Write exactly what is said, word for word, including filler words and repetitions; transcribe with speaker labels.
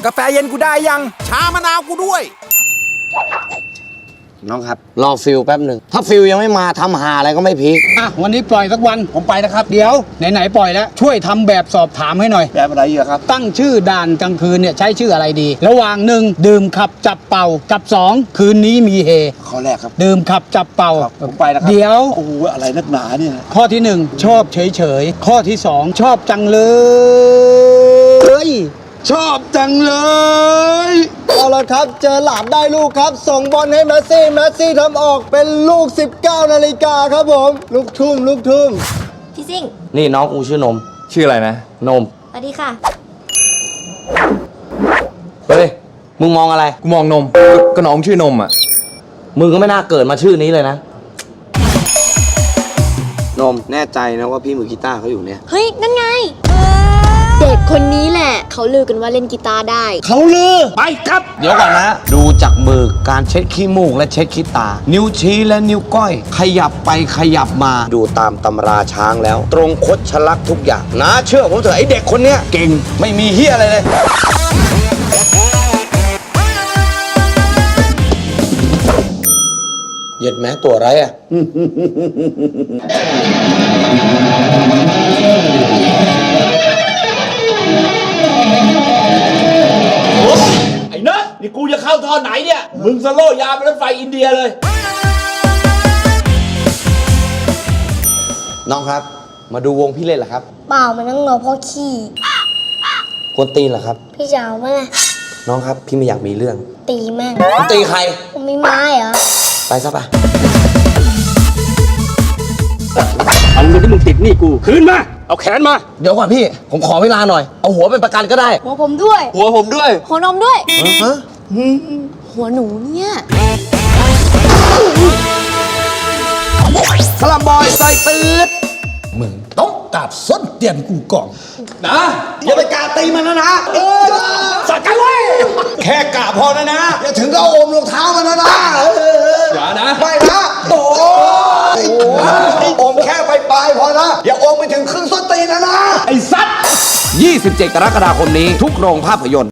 Speaker 1: กาแฟเย็นกูได้ยังชามะนาวกูด้วย
Speaker 2: น้องครับรอฟิลแป๊บหนึ่งถ้าฟิลยังไม่มาทำหาอะไรก็ไม่พีค
Speaker 3: อ่ะวันนี้ปล่อยสักวันผมไปนะครับ เดี๋ยวไหนๆปล่อยแล้วช่วยทำแบบสอบถามให้หน่อย
Speaker 2: แบบอะไรเยอะครับ
Speaker 3: ตั้งชื่อด่านกลางคืนเนี่ยใช้ชื่ออะไรดีระหว่างหนึ่งดื่มขับจับเป่ากับสองคืนนี้มีเฮ
Speaker 2: ข้อแรกครับ
Speaker 3: ดื่มขับจับเป่า
Speaker 2: ผมไปนะครับ
Speaker 3: เดี๋ยว
Speaker 2: โอ้โหอะไรนักหนาเนี่ย
Speaker 3: ข้อที่หนึ่งชอบเฉยๆข้อที่สองชอบจังเลย
Speaker 2: ชอบจังเลย
Speaker 4: เอาละครับเจอหลาดได้ลูกครับส่งบอลให้แมสซี่แมสซี่ทำออกเป็นลูกสิบเก้านาฬิกาครับผมลูกทุ่มลูกทุ่ม
Speaker 5: พี่ซิ่ง
Speaker 2: นี่น้องกูชื่อนม
Speaker 1: ชื่ออะไรนะ
Speaker 2: นม
Speaker 5: สวัสดีค่ะ
Speaker 2: เฮ้ยมึงมองอะไร
Speaker 1: กูมองนมก็น้องชื่อนมอ่ะ
Speaker 2: มึงก็ไม่น่าเกิดมาชื่อนี้เลยนะนมแน่ใจนะว่าพี่มือกีตาร์เขาอยู่เนี่ย
Speaker 5: เฮ้ยนั่นไงเด็กคนนี้แหละเขาลือกันว่าเล่นกีตาร์ได้
Speaker 2: เขาลือไปครับเดี๋ยวก่อนนะดูจากมือการเช็ดขี้มูกและเช็ดขี้ตานิ้วชี้และนิ้วก้อยขยับไปขยับมาดูตามตำราช้างแล้วตรงคดชะลักทุกอย่างนะเชื่อผมเถอะไอเด็กคนเนี้ยเก่งไม่มีเหี้ยอะไรเลยเหย็ดแม้ตัวไรอ่ะ
Speaker 6: ไอ้เนอะนี่กูจะเข้าท่อไหนเนี่ยมึงสโลยาวไปรถไฟอินเดียเลย
Speaker 2: น้องครับมาดูวงพี่เล่นเหรอครับ
Speaker 5: เปล่ามันนั่งรอพ่อขี้
Speaker 2: กวนตีนเหรอครับ
Speaker 5: พี่จะเอาเมื่อไง
Speaker 2: น้องครับพี่ไม่อยากมีเรื่อง
Speaker 5: ตีแม่ง
Speaker 2: ตีใคร
Speaker 5: ผมมีไม้เหรอ
Speaker 2: ไปซะไป
Speaker 3: เอาเงินที่มึงติดหนี้กูคืนมาเอาแขนมา
Speaker 2: เดี๋ยวก่อนพี่ผมขอเวลาหน่อยเอาหัวเป็นประกันก็ได้
Speaker 5: หัวผมด้วย
Speaker 2: หัวผมด้วย
Speaker 5: หัวนมด้วย
Speaker 2: ฮะ
Speaker 5: หัวหนูเนี่ย
Speaker 2: สลัมบอยใส่ตืด
Speaker 3: มึงต้องกราบส้นเตียนกูก่อน
Speaker 2: นะอย่าไปกราบตีมันนะนะเออสักกันเลยแค่กราบพอนะนะอย่าถึงก็โอมรองเท้ามันนะนะ
Speaker 6: อย่านะ
Speaker 2: ไม่นะโอ้โอมแค่ไปปลายพอนะอย่าโอมไปถึงครึ่งส้นตีนนะนะ
Speaker 6: ไอ้สัตว์
Speaker 2: ยี่สิบเจ็ดกรกฎาคมนี้ทุกโรงภาพยนตร์